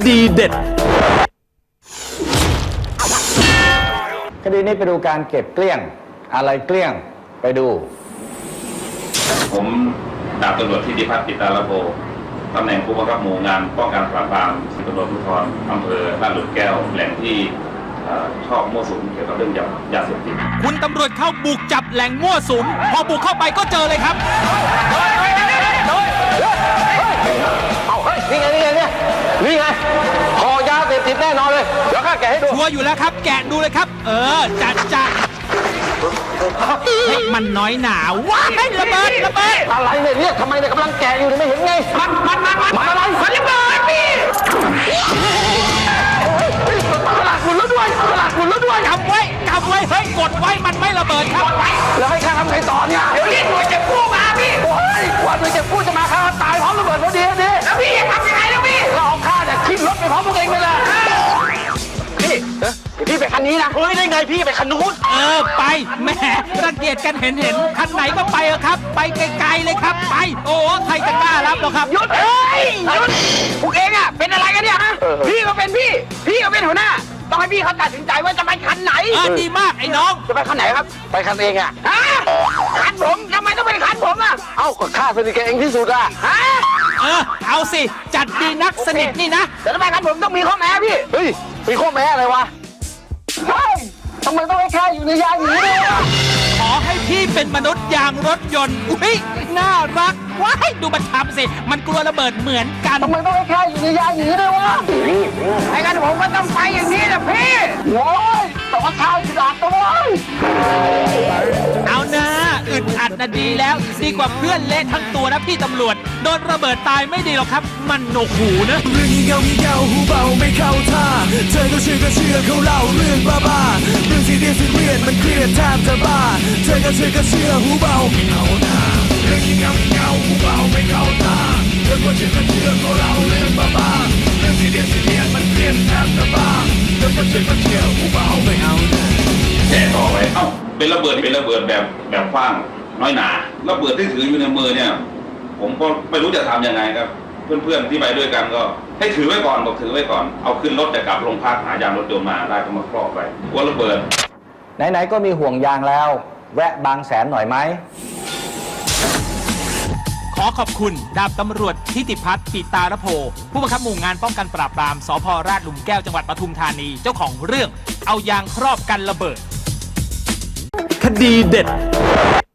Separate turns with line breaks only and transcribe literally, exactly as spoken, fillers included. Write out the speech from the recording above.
ดีเด็ด
คดีนี้ไปดูการเก็บเกลี้ยงอะไรเกลี้ยงไปดู
ผมดาบตำรวจทิติพัฒน์ปิตาลโภตำแหน่งผู้บังคับหมู่งานป้องกันปราบปรามตำรวจภูธรอำเภอลาดหลุมแก้วแหล่งที่ชอบมั่วสุมเกี่ยวกับเรื่องยาเสพติด
คุณตำรวจเข้าบุกจับแหล่งมั่วสุมพอบุกเข้าไปก็เจอเลยครับ
เอาเฮ้ยนี่ไงนี่ไงเนี่ยนี่ไงห่อยาเสพติดแน่นอนเลยเดี๋ยวข้าแกะให้ดู
ชัวร์อยู่แล้วครับแกะดูเลยครับเออจัดจัดให้มันน้อยหนาว้ายระเบิดระเบิด
อะไรเนี่ยเนี่ยทำไมเนี่ยกำลังแกะอยู่ไม่เห็นไง
มันมันมันมัน
อะไร
มันระเบิดพี่
ตลาดหมุนแล้วด้วยตลาดหมุนแล้วด้วย
กำไว้กำไว้เฮ้ยกดไว้มันไม่ระเบิดครับ
แล้วให้ข้าทำไงต่อเนี่ย
เดี๋ยวเรียกหน่วยเก็บกู้มาพี่
โอ้ยว่าหน่วยเก็บกู้จะมาข้าตายพร้อมระเบิดพอดีดิ
แล้วพี่จะทำยังไงแล้วพี่
เราเอาข้าเนี่ยขึ้นรถไปพร้อมพวกเองไปเลยพี่พี่ไปคันนี้นะเฮ้ยได้ไงพี่ไปคันนู้น
เออไปแหมรังเกียจกันเห็นเห็นคันไหนก็ไปเออครับไปไกลๆเลยครับไปโอ้ใครจะกล้ารับหรอครับ
หยุดเฮ้ยหยุดพวกเองอ่ะเป็นอะไรกันเนี่ยฮะพี่ก็เป็นพี่พี่ก็เป็นหัวหน้าต้องให้พี่เขาตัดสินใจว่าจะไปคันไหน
เออดีมากไอ้น้อง
จะไปคันไหนครับ
ไปคันเองอ่ะ
ฮะคันผมทำไมต้องเป็นคันผมอ่ะ
เอ้าก็ข้าสนิทกับเองที่สุดอ่ะ
ฮะ
เออเอาสิจัดดีนักสนิทนี่นะ
แต่ทำไมคันผมต้องมีข้อแม้พี่
เฮ้ยมีข้อแม้อะไรวะเฮ้ยทำไมต้องให้ข้าอยู่ในยางอย่างนี้ด้วย
ขอให้พี่เป็นมนุษย์ยางรถยนต์อุ้ยน่ารักว้ายดูมันทำสิมันกลัวระเบิดเหมือนกัน
ทำไมต้องให้ข้าอยู่ในยางอย่างนี้ด้วยวะ
ไอ้กันผมก็ต้องไปอย่างนี้นะพี่
โว้ยแต่ว่าข้าจะด่าตัวเว้ย
เอานะอึดอัดนะดีแล้วดีกว่าเพื่อนเละทั้งตัวนะพี่ตำรวจโดนระเบิดตายไม่ดีหรอกครับมันหนวกหูนะ
เรื่องงี่เง่างี่เง่าหูเบาไม่เข้าท่าเธอก็เชื่อก็เชื่อเขาเล่าเรื่องบ้าบ้าเรื่องที่เรียนที่เรียนมันเครียดแทบจะบ้าเธอก็เชื่อก็เชื่อหูเบาไม่เข้าท่าเรื่องงี่เง่างี่เง่าหูเบาไม่เข้าท่าเธอก็เชื่อก็เชื่อเขาเล่าเรื่องบ้าบ้าเรื่องที่เรียนที่เรียนมันเครียดแทบจะบ้าเธอก็เชื่อก็เชื่อหูเบาไม่เอา
แกะต่อไปเอ้าเป็นระเบิดเป็นระเบิดแบบแบบขว้างน้อยหนาระเบิดที่ถืออยู่ในมือเนี่ยผมก็ไม่รู้จะทำยังไงครับเพื่อนๆที่ไปด้วยกันก็ให้ถือไว้ก่อนบอกถือไว้ก่อนเอาขึ้นรถจะกลับโรงพักหายางรถยนต์มาได้ก็มาครอบไปกลัวระเบิด
ไหนๆก็มีห่วงยางแล้วแวะบางแสนหน่อยไหม
ขอขอบคุณดาบตำรวจทิติพัฒน์ปิตาลโภผู้บังคับหมู่งานป้องกันปราบปรามสภ.ราชหลุมแก้วจังหวัดปทุมธานีเจ้าของเรื่องเอายางครอบกันระเบิดคดีเด็ด